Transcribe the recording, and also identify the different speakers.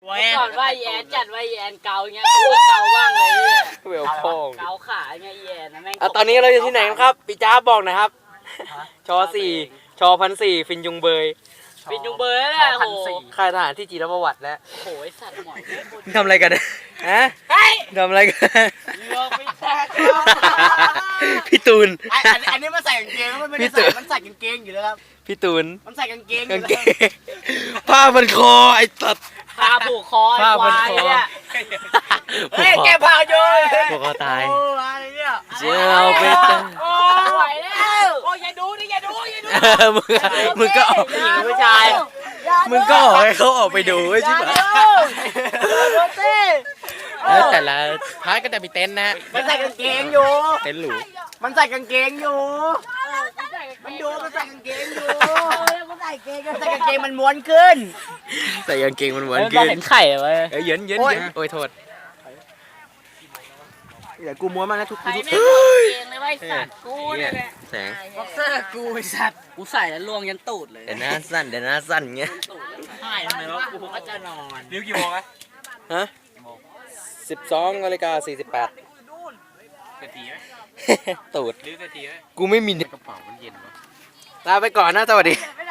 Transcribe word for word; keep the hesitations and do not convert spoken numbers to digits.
Speaker 1: ก่อนว่าแอนจัดว่าแอนเกาเงี้ยกูก็เกาบ้างเลยเนี่ย
Speaker 2: เวลพ่อง
Speaker 1: เกาขาเงี้ยแอนนะแม่ง
Speaker 2: อ่ะตอนนี้เราอยู่ที่ไหนครับปีจ้าบอกหนะครับชอสี่ชอพันสี่ฟินยุงเบย
Speaker 1: ปิดยุงเบอร์แล้วโอ้โห
Speaker 2: ค่ายทหารที่จีนประวัติแล้ว
Speaker 1: โอ้โหไอสัตว์หมอย
Speaker 2: ทำอะไรกันฮะทำอะไรกัน
Speaker 1: เรือไม่แตก
Speaker 2: พี่ตูน
Speaker 3: อันนี้มันใส่กางเกงมันไม่ได้ใส่มันใส่กางเกงอยู่แล้วครับ
Speaker 2: พี่ตูน
Speaker 3: มันใส่กางเกง
Speaker 2: กางเกงผ้ามันคอไอ้ตัด
Speaker 1: พาผูกคอ
Speaker 2: ผ้า
Speaker 1: ควาย
Speaker 2: พันคอ
Speaker 1: เนี่ย
Speaker 3: เฮ้ยแกพาโยน
Speaker 2: พวกเขาตาย
Speaker 3: โอ้อะไรเนี่ย
Speaker 2: เจ้าไปจ้า
Speaker 1: โอ้ไหวแล้ว
Speaker 3: โอ้ยอย่าดูดิอย่าดูอย่าดู
Speaker 2: มึงมึงก็ออก
Speaker 1: หญิงผู้ชาย
Speaker 2: มึงก็ออกให้เขาออกไปดูไอ้ชิบหาย
Speaker 1: โรเต้
Speaker 2: แล้วแต่ละพาร์ทก็จะมีเต็นท์นะ
Speaker 3: มันใส่กางเกงอยู่
Speaker 2: เต็นท์หรู
Speaker 3: มันใส่กางเกงอยู่มันดูมันใส่กางเกงอยู่มันใส่กางเกงมันใส่กางเกงมันม้วนขึ้น
Speaker 2: ใส่กางเกงมันหวาน
Speaker 1: เรา
Speaker 2: ขึ้น
Speaker 1: เห็นไข่ไว้
Speaker 2: เอ้ยเย็นเย็น
Speaker 3: โอ้ย
Speaker 2: เย็นโอ้ยโทษ
Speaker 3: เดี๋ยวกูม้วนมาแล้วทุก
Speaker 1: ไข่
Speaker 3: ทุก
Speaker 1: ไม่ถอดเองเลยว่าไอสัตว์กูเนี่ยแหละ
Speaker 2: แสง
Speaker 3: บ็อกเซอร์กูไอ้สัตว์
Speaker 1: กูใส่แล้วลวงยันตูดเลย
Speaker 2: เดี๋ยวหน้าสั้นเดี๋ยวหน้าสั้นเงี้ย
Speaker 1: ใช่ทำไมวะกูก็จะนอน
Speaker 3: นิ้วกี่โมงอะ
Speaker 2: ฮะสิบสองนาฬิกาสี่สิบแปด
Speaker 3: กะทิไหม
Speaker 2: ตูด
Speaker 3: นิ้วกะทิไหม
Speaker 2: กูไม่มี
Speaker 3: กระเป๋ามันเย็นวะ
Speaker 2: ลาไปก่อนนะสวัสดี
Speaker 3: ไม่